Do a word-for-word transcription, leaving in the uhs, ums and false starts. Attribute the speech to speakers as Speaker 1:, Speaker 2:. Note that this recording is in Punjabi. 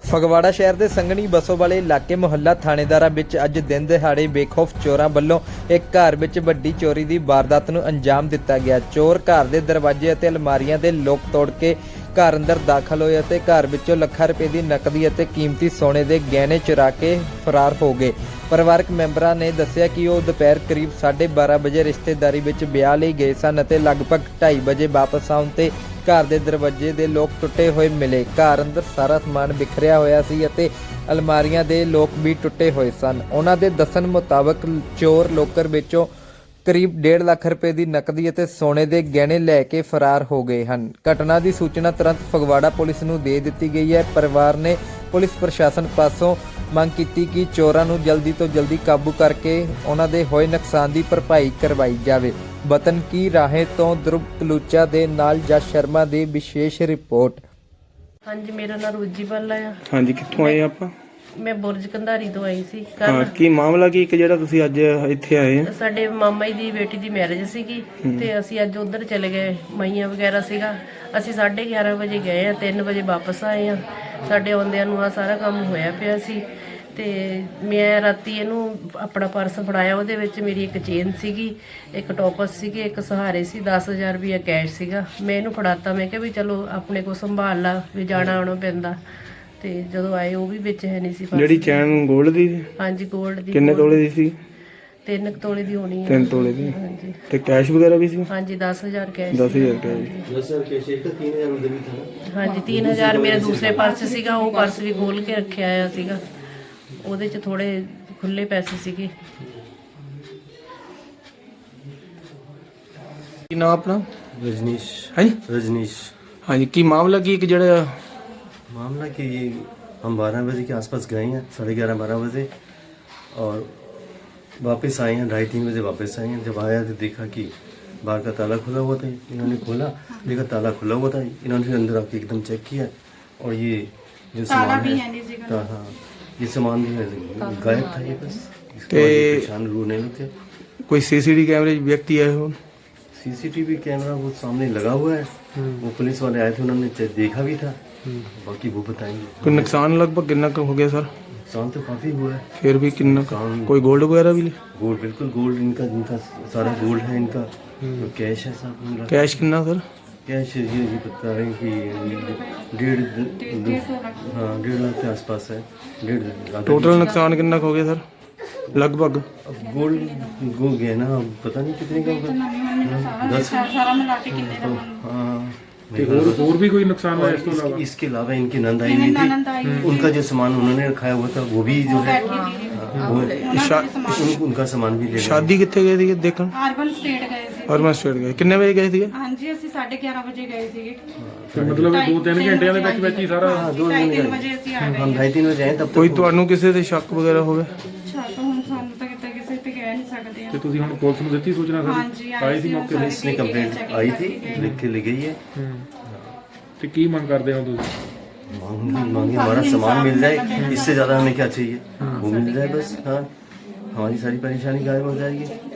Speaker 1: ਫਗਵਾੜਾ ਸ਼ਹਿਰ ਦੇ ਸੰਘਣੀ ਬਸੋ ਵਾਲੇ ਇਲਾਕੇ ਮੁਹੱਲਾ ਥਾਣੇਦਾਰਾਂ ਵਿੱਚ ਅੱਜ ਦਿਨ ਦਿਹਾੜੇ ਬੇਖੌਫ ਚੋਰਾਂ ਵੱਲੋਂ ਇੱਕ ਘਰ ਵਿੱਚ ਵੱਡੀ ਚੋਰੀ ਦੀ ਵਾਰਦਾਤ ਨੂੰ ਅੰਜਾਮ ਦਿੱਤਾ ਗਿਆ। ਚੋਰ ਘਰ ਦੇ ਦਰਵਾਜ਼ੇ ਅਤੇ ਅਲਮਾਰੀਆਂ ਦੇ ਲੋਕ ਤੋੜ ਕੇ ਘਰ ਅੰਦਰ ਦਾਖਲ ਹੋਏ ਅਤੇ ਘਰ ਵਿੱਚੋਂ ਲੱਖਾਂ ਰੁਪਏ ਦੀ ਨਕਦੀ ਅਤੇ ਕੀਮਤੀ ਸੋਨੇ ਦੇ ਗਹਿਣੇ ਚੁਰਾ ਕੇ ਫਰਾਰ ਹੋ ਗਏ। ਪਰਿਵਾਰਕ ਮੈਂਬਰਾਂ ਨੇ ਦੱਸਿਆ ਕਿ ਉਹ ਦੁਪਹਿਰ ਕਰੀਬ ਸਾਢੇ ਬਾਰਾਂ ਵਜੇ ਰਿਸ਼ਤੇਦਾਰੀ ਵਿੱਚ ਵਿਆਹ ਲਈ ਗਏ ਸਨ ਅਤੇ ਲਗਭਗ ਢਾਈ ਵਜੇ ਵਾਪਸ ਆਉਣ ਤੇ ਘਰ ਦੇ ਦਰਵਾਜ਼ੇ ਦੇ ਲੋਕ ਟੁੱਟੇ ਹੋਏ ਮਿਲੇ। ਘਰ ਅੰਦਰ ਸਾਰਾ ਸਮਾਨ ਬਿਖਰਿਆ ਹੋਇਆ ਸੀ ਅਤੇ ਅਲਮਾਰੀਆਂ ਦੇ ਲੋਕ ਵੀ ਟੁੱਟੇ ਹੋਏ ਸਨ। ਉਹਨਾਂ ਦੇ ਦੱਸਣ ਮੁਤਾਬਕ ਚੋਰ ਲੋਕਰ ਵਿੱਚੋਂ ਕਰੀਬ ਡੇਢ ਲੱਖ ਰੁਪਏ ਦੀ ਨਕਦੀ ਅਤੇ ਸੋਨੇ ਦੇ ਗਹਿਣੇ ਲੈ ਕੇ ਫਰਾਰ ਹੋ ਗਏ ਹਨ। ਘਟਨਾ ਦੀ ਸੂਚਨਾ ਤੁਰੰਤ ਫਗਵਾੜਾ ਪੁਲਿਸ ਨੂੰ ਦੇ ਦਿੱਤੀ ਗਈ ਹੈ। ਪਰਿਵਾਰ ਨੇ ਪੁਲਿਸ ਪ੍ਰਸ਼ਾਸਨ ਪਾਸੋਂ ਮੰਗ ਕੀਤੀ ਕਿ ਚੋਰਾਂ ਨੂੰ ਜਲਦੀ ਤੋਂ ਜਲਦੀ ਕਾਬੂ ਕਰਕੇ ਉਹਨਾਂ ਦੇ ਹੋਏ ਨੁਕਸਾਨ ਦੀ ਭਰਪਾਈ ਕਰਵਾਈ ਜਾਵੇ। ਵਤਨ ਕੀ ਰਾਹੇ ਤੋਂ ਧਰੁਵ ਕਲੂਚਾ ਦੇ ਨਾਲ ਜਸ ਸ਼ਰਮਾ ਦੀ ਵਿਸ਼ੇਸ਼ ਰਿਪੋਰਟ।
Speaker 2: ਹਾਂਜੀ, ਮੇਰਾ ਨਾਮ ਰੋਜੀ ਬੱਲਾ ਆ।
Speaker 3: ਹਾਂਜੀ, ਕਿੱਥੋਂ ਆਏ ਆਪਾਂ?
Speaker 2: ਮੈਂ ਬੁਰਜ ਕੰਧਾਰੀ ਤੋਂ ਆਈ ਸੀ।
Speaker 3: ਹਾਂ,
Speaker 2: ਕੱਲ
Speaker 3: ਕੀ ਮਾਮਲਾ ਕੀ ਇੱਕ ਜਿਹੜਾ ਤੁਸੀਂ ਅੱਜ ਇੱਥੇ ਆਏ ਆ?
Speaker 2: ਸਾਡੇ ਮਾਮਾ ਜੀ ਦੀ ਬੇਟੀ ਦੀ ਮੈਰਿਜ ਸੀਗੀ ਤੇ ਅਸੀਂ ਅੱਜ ਉਧਰ ਚਲੇ ਗਏ। ਮਈਆਂ ਵਗੈਰਾ ਸੀਗਾ। ਅਸੀਂ ਸਾਢੇ ਗਿਆਰਾਂ ਵਜੇ ਗਏ ਆ, ਤਿੰਨ ਵਜੇ ਵਾਪਸ ਆਏ ਆ। ਸਾਡੇ ਆਉਂਦਿਆਂ ਨੂੰ ਆ ਸਾਰਾ ਕੰਮ ਹੋਇਆ ਪਿਆ ਸੀ ਤੇ ਮੈਂ ਰਾਤੀ ਇਹਨੂੰ ਆਪਣਾ ਪਰਸ ਫੜਾਇਆ। ਉਹਦੇ ਵਿੱਚ ਮੇਰੀ ਇੱਕ ਚੇਨ ਸੀਗੀ, ਇੱਕ ਟੋਪਸ ਸੀਗੇ, ਇੱਕ ਸਹਾਰੇ ਸੀ, ਦਸ ਹਜ਼ਾਰ ਰੁਪਇਆ ਕੈਸ਼ ਸੀਗਾ। ਮੈਂ ਇਹਨੂੰ ਫੜਾਤਾ। ਮੈਂ ਕਿਹਾ ਵੀ ਚਲੋ ਆਪਣੇ ਕੋਲ ਸੰਭਾਲ ਲਾ, ਵੀ ਜਾਣਾ ਆਉਣਾ ਪੈਂਦਾ। ਤੇ ਜਦੋਂ ਆਏ ਉਹ ਵੀ ਵਿੱਚ ਹੈ ਨਹੀਂ ਸੀ ਪਰਸ।
Speaker 3: ਜਿਹੜੀ ਚੈਨ ਗੋਲਡ ਦੀ ਸੀ?
Speaker 2: ਹਾਂਜੀ, ਗੋਲਡ ਦੀ।
Speaker 3: ਕਿੰਨੇ ਤੋਲੇ ਦੀ ਸੀ?
Speaker 2: ਤਿੰਨ ਕੁ ਤੋਲੇ ਦੀ ਹੋਣੀ ਹੈ।
Speaker 3: ਤਿੰਨ ਤੋਲੇ ਦੀ।
Speaker 2: ਹਾਂਜੀ
Speaker 3: ਤੇ ਕੈਸ਼ ਵਗੈਰਾ ਵੀ ਸੀ?
Speaker 2: ਹਾਂਜੀ, ਦਸ ਹਜ਼ਾਰ ਕੈਸ਼।
Speaker 3: ਦਸ ਹਜ਼ਾਰ ਕੈਸ਼।
Speaker 4: दस हजार कैश एक तीन हजार उधर भी था ना।
Speaker 2: ਹਾਂਜੀ, ਤਿੰਨ ਹਜ਼ਾਰ ਮੇਰਾ ਦੂਸਰੇ ਪਰਸ ਸੀਗਾ, ਉਹ ਪਰਸ ਵੀ ਖੋਲ ਕੇ ਰੱਖਿਆ ਆ ਸੀਗਾ। ਉਹਦੇ 'ਚ ਥੋੜੇ ਖੁੱਲੇ ਪੈਸੇ ਸੀਗੇ।
Speaker 3: ਕੀ ਨਾਮ ਆਪਣਾ?
Speaker 4: रजनीश।
Speaker 3: ਹਾਂਜੀ
Speaker 4: रजनीश।
Speaker 3: ਹਾਂਜੀ, ਕੀ ਮਾਮਲਾ ਕੀ ਇੱਕ ਜਿਹੜਾ
Speaker 4: मामला कि ये हम बारह बजे के आसपास गए हैं, साढ़े ग्यारह बारह बजे, और वापस आए हैं ढाई तीन बजे वापस आए हैं। जब आया तो देखा कि बाहर का ताला खुला हुआ था। इन्होंने खोला, देखा ताला खुला हुआ था। इन्होंने फिर अंदर आके एकदम चेक किया और ये जो सामान है ता- हाँ ये सामान जो है गायब था। ये बस इसके बाद ये परेशान रोने लगे।
Speaker 3: ਕੋਈ ਸੀਸੀਟੀਵੀ ਕੈਮਰੇ 'ਚ ਵਿਅਕਤੀ ਆਏ ਹੋਣ?
Speaker 4: सीसीटीवी कैमरा वो सामने लगा हुआ है। वो पुलिस वाले आए थे, उन्होंने चे- देखा भी था। बाकी वो बताएंगे।
Speaker 3: ਕੋਈ ਨੁਕਸਾਨ ਲਗਭਗ ਕਿੰਨਾ ਕੁ ਹੋ ਗਿਆ ਸਰ?
Speaker 4: नुकसान तो काफी हुआ है।
Speaker 3: ਫਿਰ ਵੀ ਕਿੰਨਾ ਕੁ?
Speaker 4: नुकसान
Speaker 3: ਕੋਈ 골ਡ ਵਗੈਰਾ ਵੀ?
Speaker 4: गोल्ड, बिल्कुल गोल्ड इनका, इनका सारा गोल्ड है इनका। तो कैश है सब इनका।
Speaker 3: ਕੈਸ਼ ਕਿੰਨਾ सर?
Speaker 4: कैश ये ये बता रहे हैं कि डेढ़ हाँ डेढ़ लाख के आसपास है। डेढ़ लाख।
Speaker 3: ਟੋਟਲ ਨੁਕਸਾਨ ਕਿੰਨਾ ਕੁ ਹੋ ਗਿਆ ਸਰ ਲਗਭਗ?
Speaker 4: अब गोल्ड गो गया ना, अब पता नहीं कितने का होगा। दस तो हाँ।
Speaker 5: और भी कोई नुकसान हुआ
Speaker 4: और
Speaker 5: इसके
Speaker 4: इस,
Speaker 5: अलावा?
Speaker 4: इसके अलावा इनकी नंद आई हुई थी। उनका जो सामान उन्होंने रखाया हुआ था वो भी जो है वो
Speaker 3: ਸ਼ਾ-
Speaker 4: उन, उनका सामान भी ले गए।
Speaker 3: ਸ਼ਾਦੀ ਕਿੱਥੇ ਗਏ ਸੀਗੇ ਦੇਖਣ?
Speaker 6: ਅਰਬਨ ਸਟੇਟ ਗਏ ਸੀ।
Speaker 3: ਅਰਮਨ ਸਟੇਟ ਗਏ ਕਿੰਨੇ ਵਜੇ ਗਏ ਸੀਗੇ?
Speaker 6: ਹਾਂਜੀ, ਅਸੀਂ ਸਾਢੇ ਗਿਆਰਾਂ ਵਜੇ ਗਏ ਸੀਗੇ।
Speaker 5: ਤੇ ਮਤਲਬ ਦੋ ਤਿੰਨ ਘੰਟਿਆਂ ਦੇ ਵਿੱਚ ਵਿੱਚ ਹੀ ਸਾਰਾ?
Speaker 4: हाँ, दो
Speaker 6: ਢਾਈ
Speaker 4: दिन
Speaker 6: ਤਿੰਨ
Speaker 4: गए।
Speaker 6: ਵਜੇ ਅਸੀਂ ਆ ਗਏ।
Speaker 4: हम ढाई तीन बजे आए तब
Speaker 3: ਕੋਈ
Speaker 4: तक
Speaker 3: ਤੁਹਾਨੂੰ ਕਿਸੇ ਤੇ ਸ਼ੱਕ ਵਗੈਰਾ ਹੋਵੇ?
Speaker 6: ਅੱਛਾ, ਤਾਂ ਹੁਣ ਸਾਨੂੰ ਤਾਂ ਕਿਤੇ ਕਿਸੇ ਤੇ ਕਹਿ ਨਹੀਂ ਸਕਦੇ ਆ।
Speaker 5: ਤੇ ਤੁਸੀਂ ਹੁਣ ਪੁਲਿਸ ਨੂੰ ਦਿੱਤੀ ਸੂਚਨਾ ਸਰ?
Speaker 6: ਹਾਂਜੀ,
Speaker 5: ਆਈ ਸੀ ਮੌਕੇ ਤੇ?
Speaker 4: पुलिस ने कंप्लेंट आई थी, लिख के ले गई है।
Speaker 5: ਤੇ ਕੀ ਮੰਗ ਕਰਦੇ ਹੋ ਤੁਸੀਂ?
Speaker 4: मांग मांगे हमारा सामान मिल जाए, इससे ज्यादा हमें क्या चाहिए, वो मिल जाए बस। हाँ, हमारी सारी परेशानी गायब हो जाएगी।